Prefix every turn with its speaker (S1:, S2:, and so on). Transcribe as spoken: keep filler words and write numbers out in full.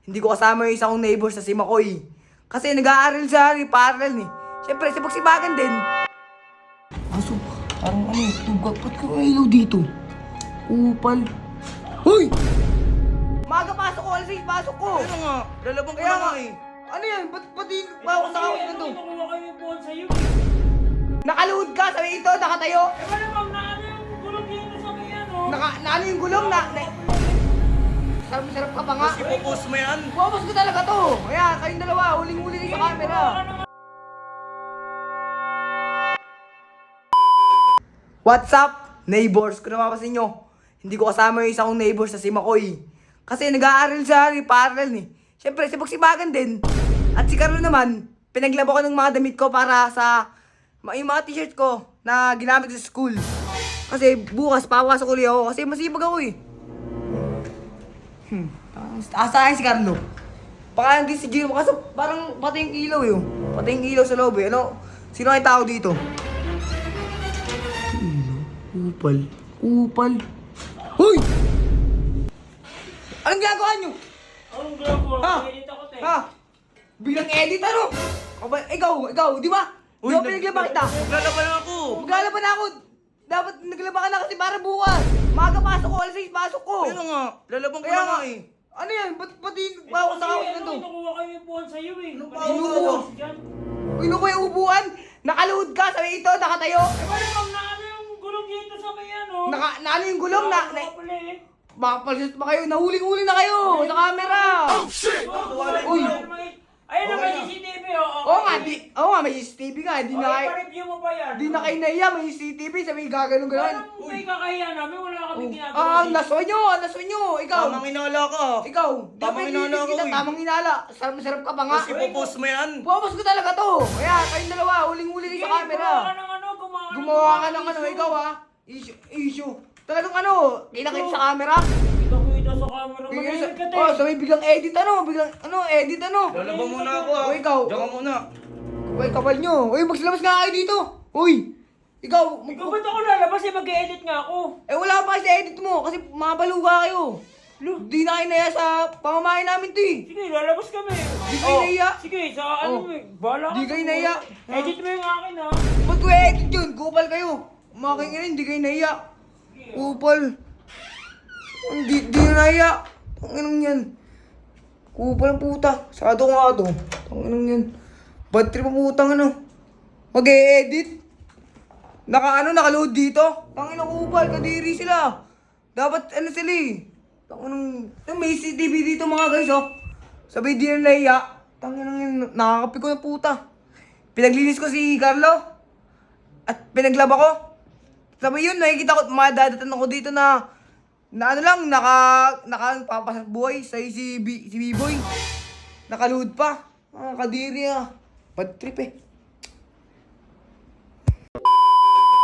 S1: hindi ko kasama yung isa kong neighbor sa si Makoy. Kasi nag-aaral sa parallel eh. Siyempre, sipag-sibagan din. Aso, parang ano, ba't ba't ka ilaw dito? Upal. Hoy! Maga pasok ko, alas seis pasok ko.
S2: Ano nga? Lalabang ko
S1: Kaya
S2: na
S1: nga
S2: nga eh.
S1: Ano yan? Ba't ba't di pa ako sa house na to?
S3: Nakuha kayo yung phone sa'yo.
S1: Nakaluhod ka, sabi ito, nakatayo.
S3: Eh wala ma'am, na ano yung gulong dito sa may ano?
S1: Naka, na ano yung gulong na... na sarap-sarap ka pa nga.
S2: Tapos ipopost mo yan.
S1: Buwabas ko talaga to. Kaya kayong dalawa, huling-huli kayo sa camera. What's up, neighbors? Kung napapasin nyo, hindi ko kasama yung isa kong neighbors sa si Makoy. Kasi nag-aaral sa parallel eh. Siyempre, sipag-sibagan din. At si Carlo naman, pinaglaba ko ng mga damit ko para sa yung mga t-shirt ko na ginamit sa school. Kasi bukas, papasok ulit ako kasi masipag ako eh. Hmm. Asa si Carlo? Baka hindi si Gino, kasi parang pati yung ilaw eh. oh. Pati yung ilaw sa loob eh. Ano? Sino ay tao dito? Upal. Upal. Hoy! Anong ginagawa nyo?
S3: Anong ginagawa?
S1: Ha?
S3: Edit ako, te.
S1: Ha? Biglang edit ano? Aba, ikaw, ikaw, di ba? Di ba pinaglaba kita?
S2: Maglalaban ako.
S1: Maglalaban na ako. Dapat naglaba ka na kasi para bukas. Maga pasok ko, alas seis pasok ko.
S2: Ano nga? Lalabang ko
S1: Kaya
S2: na
S1: nga,
S2: nga eh.
S1: ano yan? Ba't pati
S3: Eh,
S1: pa ako sa
S3: kasi
S1: house na
S3: ano,
S1: to?
S3: nakuha kayo yung phone sa'yo eh.
S2: Ano pa
S3: Pati
S1: ako?
S3: yung phone dyan.
S1: Pino ko yung upuan? Nakaluhod ka, sabi ito, nakatayo.
S3: Eh wala ma'am, na ano yung gulong dito sa may ano?
S1: Naka, na ano yung gulong na... na
S3: Wala pala eh.
S1: baka palsist pa kayo, nahuling-huli na kayo sa camera. Uy.
S3: Ayun na, may C C T V oh.
S1: Oo nga, di, oo nga, may C C T V nga, di na kayo,
S3: Pa-review mo pa yan.
S1: di na kayo naiya, may C C T V, sabi gaganon ganon.
S3: Parang may kakahiya namin, wala kaming ginagawa.
S1: Ah, ang naswa nyo, ang naswa nyo, ikaw.
S2: Tamang inala ka.
S1: Ikaw, di
S2: Tamang
S1: ba
S2: inala
S1: inala
S2: ko eh.
S1: Tamang inala, sarap-sarap ka pa nga.
S2: Tapos ipopost mo yan.
S1: Buwabas ko talaga to. Kaya kayong dalawa, huling-huli kayo sa camera.
S3: Gumawa ka ng ano, gumawa ka ng
S1: Gumawa ka ng ano, ikaw ha. Issue, issue. Talagang ano, kinakita sa camera.
S3: Kita-kita sa camera, manahimik ka te.
S1: Oh, sabi biglang edit ano, biglang ano, edit ano.
S2: Lalabang muna ako ah.
S1: O, ikaw.
S2: Diyan ka muna.
S1: Uy, kapal nyo. Uy, magsilabas nga kayo dito. Uy, ikaw.
S3: Ikaw ba't ako lalabas eh, mag-edit nga ako.
S1: Eh, wala pa kasi edit mo kasi mabaluga kayo.
S3: Lo,
S1: Di na kayo naya sa pamamahay namin to eh.
S3: sige, lalabas kami.
S1: Di kayo naiya.
S3: Sige, sa ano
S1: Oh.
S3: eh, bahala ka.
S1: Di kayo naiya.
S3: Edit mo yung akin ha.
S1: Ba't ko edit yun? Kupal kayo. Umaking ina, hindi kayo naiya. Kupal. Hindi, di na naiya. Tanginang yan. Kupal ang puta. Sado ko nga to. Tanginang yan. Bad trip ang putang ano. Mag-e-edit. Naka ano, nakaload dito. Tanginang kupal, kadiri sila. Dapat ano sila eh. Tanginang, may C C T V dito mga guys oh. Sabi di na naiya. Tanginang yan, nakakapi ko ng puta. Pinaglinis ko si Carlo. At pinaglaba ko. Sabi yun, nakikita ko, madadatan ako dito na na ano lang, naka, naka, papasat buhay sa si, B, si B-Boy. Nakaluhod pa. Ah, kadiri ah. Bad trip eh.